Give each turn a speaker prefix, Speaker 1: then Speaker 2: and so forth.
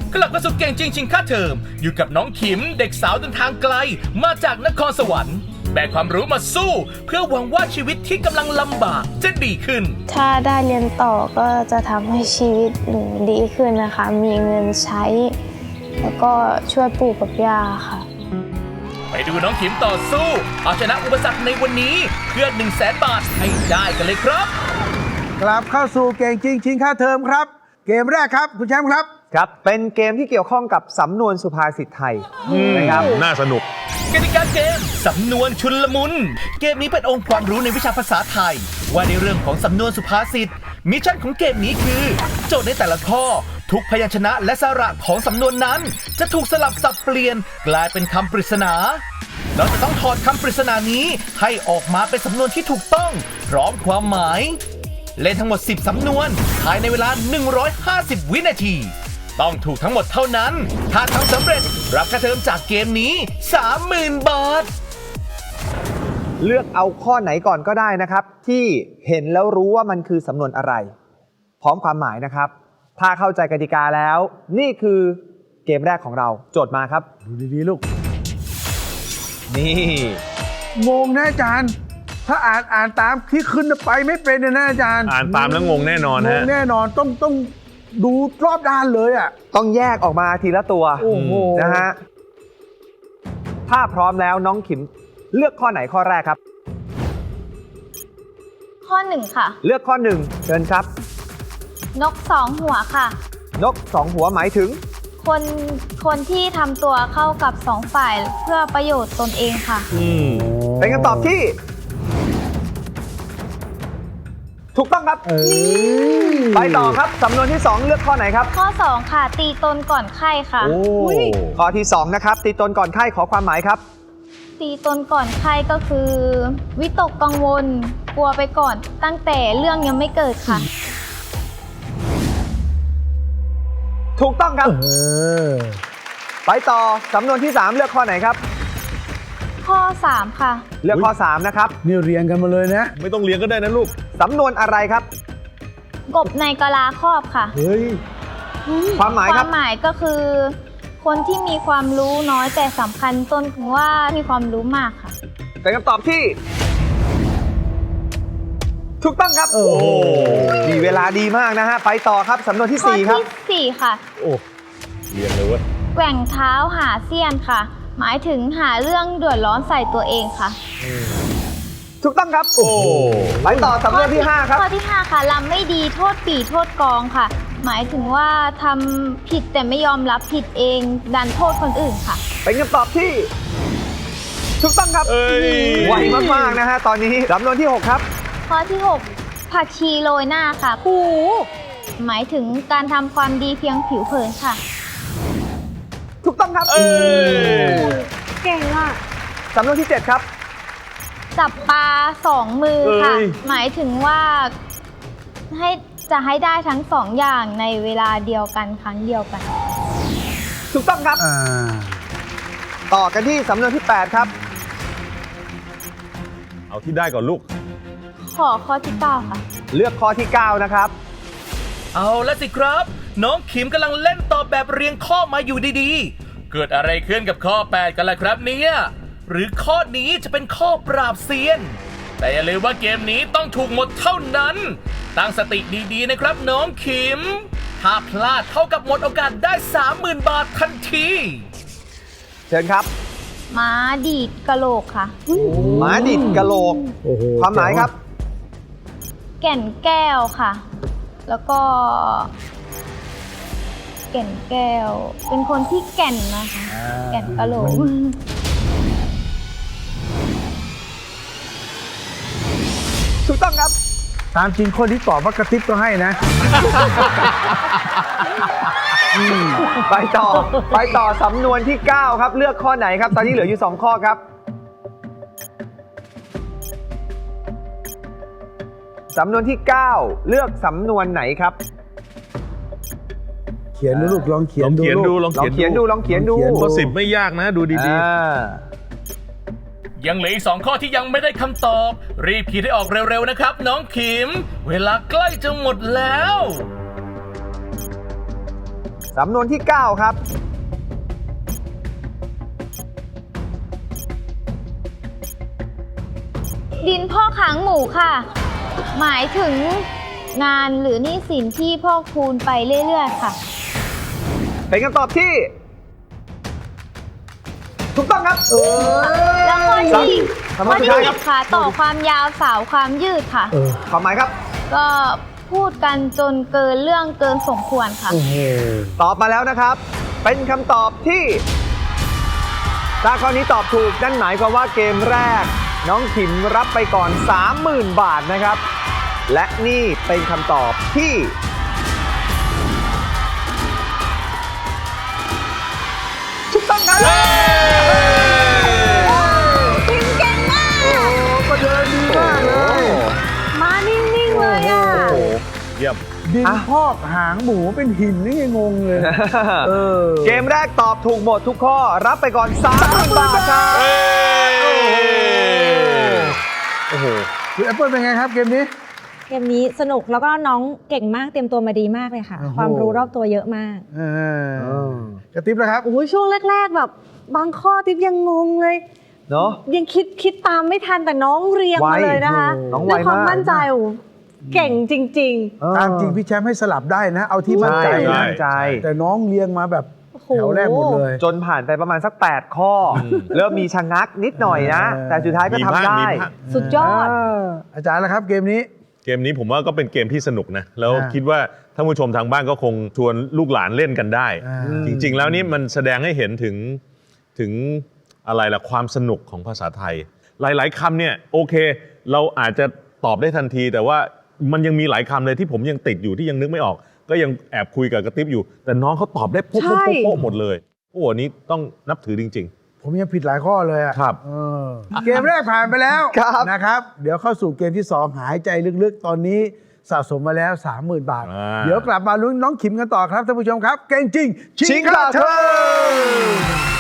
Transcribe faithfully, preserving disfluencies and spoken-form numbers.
Speaker 1: กลับมาสู่เก่งจริงชิงค่าเทอมอยู่กับน้องขิมเด็กสาวเดินทางไกลมาจากนครสวรรค์แบกความรู้มาสู้เพื่อหวังว่าชีวิตที่กำลังลำบากจะดีขึ้น
Speaker 2: ถ้าได้เรียนต่อก็จะทำให้ชีวิตหนูดีขึ้นนะคะมีเงินใช้แล้วก็ช่วยปู่กับย่าค่ะ
Speaker 1: ไปดูน้องขิมต่อสู้เอาชนะอุปสรรคในวันนี้เพื่อหนึ่งแสนบาทให้ได้กันเลยครับ
Speaker 3: กลับเข้าสู่เก่งจริงชิงค่าเทอมครับเกมแรกครับคุณแชมป์ครับ
Speaker 4: ครับเป็นเกมที่เกี่ยวข้องกับสำนวนสุภาษิตไทยนะครับ
Speaker 5: น่าสนุก
Speaker 1: กติกาเกมสำนวนชุลมุนเกมนี้เป็นองค์ความรู้ในวิชาภาษาไทยว่าในเรื่องของสำนวนสุภาษิตมิชชั่นของเกมนี้คือโจทย์ในแต่ละข้อทุกพยัญชนะและสระของสำนวนนั้นจะถูกสลับสับเปลี่ยนกลายเป็นคำปริศนาเราจะต้องถอดคำปริศนานี้ให้ออกมาเป็นสำนวนที่ถูกต้องพร้อมความหมายเล่นทั้งหมดสิบสำนวนภายในเวลาหนึ่งร้อยห้าสิบวินาทีต้องถูกทั้งหมดเท่านั้นถ้าทำสำเร็จรับค่าเทอมจากเกมนี้ สามหมื่น บาท
Speaker 4: เลือกเอาข้อไหนก่อนก็ได้นะครับที่เห็นแล้วรู้ว่ามันคือสำนวนอะไรพร้อมความหมายนะครับถ้าเข้าใจกติกาแล้วนี่คือเกมแรกของเราโจทย์มาครับ
Speaker 3: ดูดีๆลูก
Speaker 4: นี่
Speaker 3: งงนะอาจารย์ถ้าอ่านอ่านตามที่ขึ้นไปไม่เป็นนะอาจารย์
Speaker 5: อ่านตามแล้วงงแน่นอนฮะ
Speaker 3: งงแน่นอนต้องต้องดูรอบด้านเลยอ่ะ
Speaker 4: ต้องแยกออกมาทีละตัวนะฮะถ้าพร้อมแล้วน้องขิมเลือกข้อไหนข้อแรกครับ
Speaker 2: ข้อหนึ่งค่ะ
Speaker 4: เลือกข้อหนึ่งเชิญครับ
Speaker 2: นกสองหัวค่ะ
Speaker 4: นกสองหัวหมายถึง
Speaker 2: คนคนที่ทำตัวเข้ากับสองฝ่ายเพื่อประโยชน์ตนเองค่ะ
Speaker 4: เป็นคำตอบที่ถูกต้องครับไปต่อครับสำนวนที่สองเลือกข้อไหนครับ
Speaker 2: ข้อสองค่ะตีตนก่อนไข้ค่ะ
Speaker 4: ข้อที่สองนะครับตีตนก่อนไข้ขอความหมายครับ
Speaker 2: ตีตนก่อนไข้ก็คือวิตกกังวลกลัวไปก่อนตั้งแต่เรื่องยังไม่เกิดค่ะ
Speaker 4: ถูกต้องครับไปต่อสำนวนที่สามเลือกข้อไหนครับ
Speaker 2: ข้อสามค่ะ
Speaker 4: เลือกข้อสามนะครับ
Speaker 3: นี่เรียงกันมาเลยนะ
Speaker 5: ไม่ต้องเรียงก็ได้นะลูก
Speaker 4: สำนวนอะไรครับ
Speaker 2: กบในกะลาครอบค่ะ
Speaker 3: เฮ้ย
Speaker 4: ความหมายครับ
Speaker 2: ความหมายก็คือคนที่มีความรู้น้อยแต่สำคัญตนถึงว่ามีความรู้มากค่ะ
Speaker 4: เป็นคำตอบที่ถูกต้องครับโอ้มีเวลาดีมากนะฮะไปต่อครับสำนวนที่สี่ครับ
Speaker 2: ข้อที่สี่ค่ะ
Speaker 5: โอ้เรียงเลยเว้ย
Speaker 2: แกว่งเท้าหาเสี้ยนค่ะหมายถึงหาเรื่องเดือดร้อนใส่ตัวเองค่ะ
Speaker 4: ถูกต้องครับโอ้ไปต่อสำนวนที่ห้าครับ
Speaker 2: ข้อที่ห้าค่ะลำไม่ดีโทษปี่โทษกองค่ะหมายถึงว่าทำผิดแต่ไม่ยอมรับผิดเองดันโทษคนอื่นค่ะ
Speaker 4: เป็นคำตอบที่ถูกต้องครับไวมากๆนะฮะตอนนี้สำนวนที่หกครับ
Speaker 2: ข้อที่หกผักชีโรยหน้าค่ะหูหมายถึงการทำความดีเพียงผิวเผินค่ะ
Speaker 4: ถูกต้องครับ
Speaker 2: เก่งอ่ะ
Speaker 4: สำนวนที่เจ็ดครับ
Speaker 2: จับปลาสองมือค่ะหมายถึงว่าให้จะให้ได้ทั้งสองอย่างในเวลาเดียวกันครั้งเดียวกัน
Speaker 4: ถูกต้องครับต่อกันที่สำนวนที่แปดครับ
Speaker 5: เอาที่ได้ก่อนลูก
Speaker 2: ขอข้อที่เก้าค่ะ
Speaker 4: เลือกข้อที่เก้านะครับ
Speaker 1: เอาละสิครับน้องขิมกำลังเล่นตอบแบบเรียงข้อมาอยู่ดีๆเกิดอะไรขึ้นกับข้อแปดกันล่ะครับเนี่ยหรือข้อนี้จะเป็นข้อปราบเซียนแต่อย่าลืมว่าเกมนี้ต้องถูกหมดเท่านั้นตั้งสติดีๆนะครับน้องขิมถ้าพลาดเท่ากับหมดโอกาสได้ สามหมื่น บาททันที
Speaker 4: เชิญครับ
Speaker 2: ม้าดีดกะโหลกค่ะ
Speaker 4: ม้าดีดกะโหลกความหมายครับ
Speaker 2: แก่นแก้วค่ะแล้วก็แก่นแก้วเป็นคนที่แก่นนะคะแก่นกะโหลก
Speaker 4: ถูกต้องครับ
Speaker 3: ตามจริงคนที่ตอบว่ากระติบก็ให้นะ
Speaker 4: ไปต่อไปต่อสำนวนที่เก้าครับเลือกข้อไหนครับตอนนี้เหลืออยู่สองข้อครับสำนวนที่เก้าเลือกสำนวนไหนครับ
Speaker 3: เขียนดูลูกลองเขียน
Speaker 5: ดู
Speaker 4: ลองเขียนดูลองเขียนดู
Speaker 5: ข้อสิบไม่ยากนะดูดี
Speaker 1: ๆยังเหลืออีกสองข้อที่ยังไม่ได้คำตอบรีบขีดให้ออกเร็วๆนะครับน้องขิมเวลาใกล้จะหมดแล้ว
Speaker 4: สำนวนที่ เก้า ครับ
Speaker 2: ดินพ่อกหางหมูค่ะ หมายถึงงานหรือหนี้สินที่พอกพูนไปเรื่อยๆค่ะ
Speaker 4: เป็นคำตอบที่ ถูกต้องครับ
Speaker 2: แล้วข้อที่
Speaker 4: สำน
Speaker 2: ข้
Speaker 4: ว
Speaker 2: อน
Speaker 4: สุด
Speaker 2: ที่
Speaker 4: ท้าย
Speaker 2: สิ
Speaker 4: ครับ
Speaker 2: บค่ะ ต่อความยาวสาวความยืดค่ะ
Speaker 4: ความหมายครับ
Speaker 2: ก็พูดกันจนเกินเรื่องเกินสมควรค่ะ
Speaker 4: ตอบมาแล้วนะครับ เป็นคำตอบที่ ถ้าข้อนี้ตอบถูกนั่นหมายความว่าเกมแรก น้องขิมรับไปก่อน สามหมื่น บาทนะครับ และนี่เป็นคำตอบที่ ถูกต้องครับ
Speaker 2: ขิมเก่งมาก
Speaker 3: โอ้ประเดินดีมากเลย
Speaker 2: มานิ่งๆเลยอ่ะ
Speaker 5: โอ้โหเยี่ยม
Speaker 3: ดิน
Speaker 4: อ่ะ
Speaker 3: พอกหางหมูเป็นหินนี่ไงงงเลย เออ
Speaker 4: เกมแรกตอบถูกหมดทุกข้อ รับไปก่อน สามหมื่น บาทครับ
Speaker 5: โอ้โห
Speaker 3: คุณแอปเปิลเป็นไงครับเกมนี้
Speaker 6: เกมนี้สนุกแล้วก็น้องเก่งมากเตรียมตัวมาดีมากเลยค่ะ
Speaker 3: โอ้โห
Speaker 6: ความรู้รอบตัวเยอะมาก
Speaker 3: เออ กระติบแล้วครับ
Speaker 6: โอ้ยช่วงแรก ๆ แบบบางข้อติ๊บยังงงเลย
Speaker 4: เนาะ
Speaker 6: ยังคิดคิดตามไม่ทันแต่น้องเรียง
Speaker 4: ไว
Speaker 6: มาเลยนะคะ
Speaker 4: น้องไว
Speaker 6: ด้วยความ
Speaker 4: มาก
Speaker 6: มั่นใจโอ้โหเก่งจริง
Speaker 3: ตามจริงพี่แชมป์ให้สลับได้นะ เอาที่มั่นใจ
Speaker 4: ใช่
Speaker 3: นะ
Speaker 4: มั่นใจ
Speaker 3: แต่น้องเรียงมาแบบ
Speaker 6: โอ้โห
Speaker 3: แถวแรกหมดเลย
Speaker 4: จนผ่านไปประมาณสัก แปด ข้ออเริ่มมีชะงักนิดหน่อยนะ
Speaker 3: เออ
Speaker 4: แต่สุดท้ายก็
Speaker 5: มี
Speaker 4: ทำ
Speaker 5: พลาด
Speaker 4: ได้
Speaker 5: มีพลาด
Speaker 6: ๆ สุดยอด
Speaker 3: าอาจารย์แล้วครับเกมนี้
Speaker 5: เกมนี้ผมว่าก็เป็นเกมที่สนุกนะ แล้ว
Speaker 3: อ่า
Speaker 5: คิดว่าท่านผู้ชมทางบ้านก็คงชวนลูกหลานเล่นกันได้
Speaker 3: อ่า
Speaker 5: จริง ๆ แล้วนี่มันแสดงให้เห็นถึงถึงอะไรล่ะความสนุกของภาษาไทย หลายๆคำเนี่ยโอเค เราอาจจะตอบได้ทันที แต่ว่ามันยังมีหลายคำเลยที่ผมยังติดอยู่ที่ยังนึกไม่ออก ก็ยังแอบคุยกับกระติ๊บอยู่ แต่น้องเขาตอบได้โป๊ะ
Speaker 6: ใช่
Speaker 5: โป๊ะโป๊ะหมดเลยโอ้โหอันนี้ต้องนับถือจริง
Speaker 3: ผมยังผิดหลายข้อเลยอะ
Speaker 5: ครับ
Speaker 3: เออเกมแรกผ่านไปแล้ว
Speaker 4: ครับ
Speaker 3: นะครับ เดี๋ยวเข้าสู่เกมที่สองหายใจลึกๆ ตอนนี้สะสมมาแล้ว สามหมื่น บาท
Speaker 5: อ่า
Speaker 3: เดี๋ยวกลับมาลุ้นน้องขิมกันต่อครับท่านผู้ชมครับ เก่งจริง
Speaker 4: ชิง
Speaker 3: ค่า
Speaker 4: ค่า
Speaker 3: เท
Speaker 4: เท
Speaker 3: อ
Speaker 4: อ
Speaker 3: ม
Speaker 4: ม